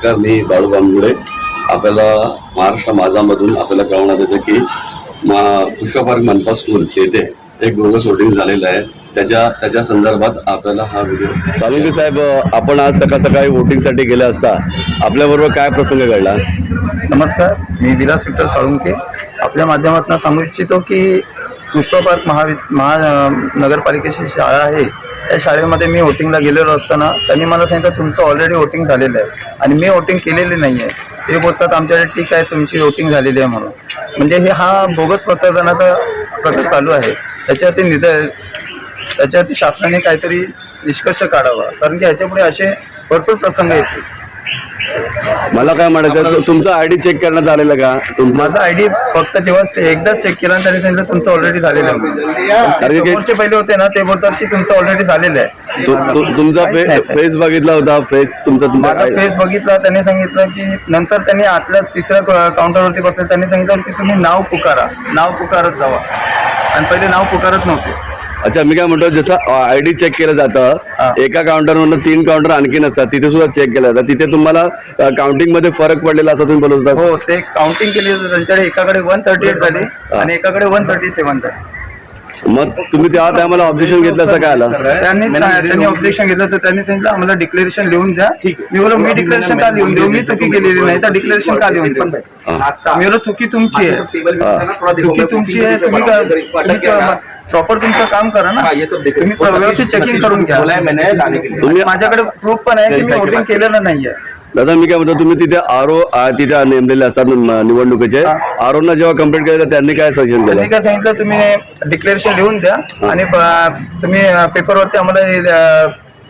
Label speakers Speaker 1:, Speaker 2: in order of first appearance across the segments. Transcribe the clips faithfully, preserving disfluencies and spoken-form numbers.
Speaker 1: नमस्कार, मी बाळू बांबुडे. आपल्याला महाराष्ट्र माझामधून आपल्याला कळवण्यात येतं की मा पुष्पा पार्क मनपा स्कूल येथे एक बोगस वोटिंग झालेलं आहे. त्याच्या त्याच्या संदर्भात आपल्याला हा व्हिडिओ. सालुंके साहेब, आपण आज सकाळ सकाळी वोटिंगसाठी गेले असता आपल्याबरोबर काय प्रसंग घडला?
Speaker 2: नमस्कार, मी विलास विठ्ठल साळुंके. आपल्या माध्यमातून सांगू इच्छितो की पुष्पा पार्क महावि महानगरपालिकेची शाळा आहे. त्या शाळेमध्ये मी वोटिंगला गेलेलो असताना त्यांनी मला सांगितलं तुमचं ऑलरेडी वोटिंग झालेलं आहे आणि मी वोटिंग केलेली नाही आहे. ते बोलतात आमच्याकडे ठीक आहे, तुमची वोटिंग झालेली आहे म्हणून. म्हणजे हे हा बोगस मतदानाचा प्रकार चालू आहे. त्याच्यावरती निद त्याच्यावरती शासनाने काहीतरी निष्कर्ष काढावा, कारण की ह्याच्यापुढे असे भरपूर प्रसंग येतील.
Speaker 1: मला काय म्हणायचं, तुमचा आयडी चेक करण्यात आलेला का?
Speaker 2: माझा आयडी फक्त जेव्हा एकदाच चेक केला त्यांनी सांगितलं तुमचं ऑलरेडी झालेलं आहे. समोरचे पहिले होते ना, ते बोलतात की तुमचं ऑलरेडी झालेलं आहे.
Speaker 1: तुमचा फेस बघितला होता? फेस तुमचा
Speaker 2: माझा फेस बघितला. त्यांनी सांगितलं की नंतर त्यांनी आतल्या तिसऱ्या काउंटरवरती बसले. त्यांनी सांगितलं की तुम्ही नाव पुकारा, नाव पुकारत जावा, आणि पहिले नाव पुकारत नव्हते.
Speaker 1: अच्छा, मी काय म्हणतो, जसं आयडी चेक केलं जातं एका काउंटरवरून तीन काउंटर आणखी नसतात, तिथे सुद्धा चेक केलं जातं. तिथे तुम्हाला काउंटिंग मध्ये फरक पडलेला असं तुम्ही बोलवता?
Speaker 2: हो, ते काउंटिंग केली होती त्यांच्याकडे. एकाकडे वन थर्टी एट झाली आणि एकाकडे वन थर्टी सेव्हन झाली.
Speaker 1: मग तुम्ही त्या टायमाला ऑब्जेक्शन घेतलं असं काय आलं?
Speaker 2: त्यांनी त्यांनी ऑब्जेक्शन घेतलं तर त्यांनी सांगितलं आम्हाला डिक्लेरेशन लिहून द्या. मी बोललो मी डिक्लेरेशन का लिहून देऊ, मी चुकी केलेली नाही तर डिक्लेरेशन का लिहून देऊ? मी बोललो चुकी तुमची आहे, चुकी तुमची आहे. तुम्ही प्रॉपर तुमचं काम करा ना, तुम्ही व्यवस्थित चेकिंग करून घ्या. तुम्ही माझ्याकडे प्रूफ पण आहे की मी वोटिंग केलेलं नाहीये.
Speaker 1: दादा, मी काय म्हणतो, तुम्ही तिथे आरो तिथे नेमलेले असतात निवडणुकीचे, आरोना जेव्हा कंप्लेंट केली तर त्यांनी काय सजेशन केलं?
Speaker 2: त्यांनी काय सांगितलं, तुम्ही डिक्लेरेशन लिहून द्या आणि तुम्ही पेपरवरती आम्हाला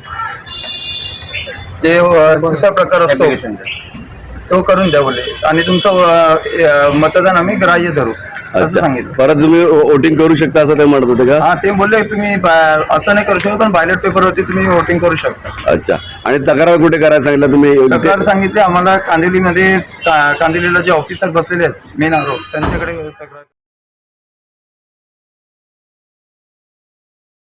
Speaker 2: जे दुसरा प्रकार असतो तो करून द्या बोले, आणि तुमचं मतदान आम्ही ग्राह्य धरू असं सांगितलं. परत तुम्ही
Speaker 1: वोटिंग करू शकता असं ते म्हणत होते का?
Speaker 2: हा, ते बोलले तुम्ही असं नाही करू शकत, पण बॅलेट पेपरवरती तुम्ही वोटिंग करू शकता.
Speaker 1: अच्छा, आणि तक्रार कुठे करायला सांगितलं तुम्ही?
Speaker 2: तक्रार सांगितली आम्हाला कांदिवलीमध्ये. कांदिवलीला जे ऑफिसर बसलेले आहेत मेन आरोप, त्यांच्याकडे तक्रार.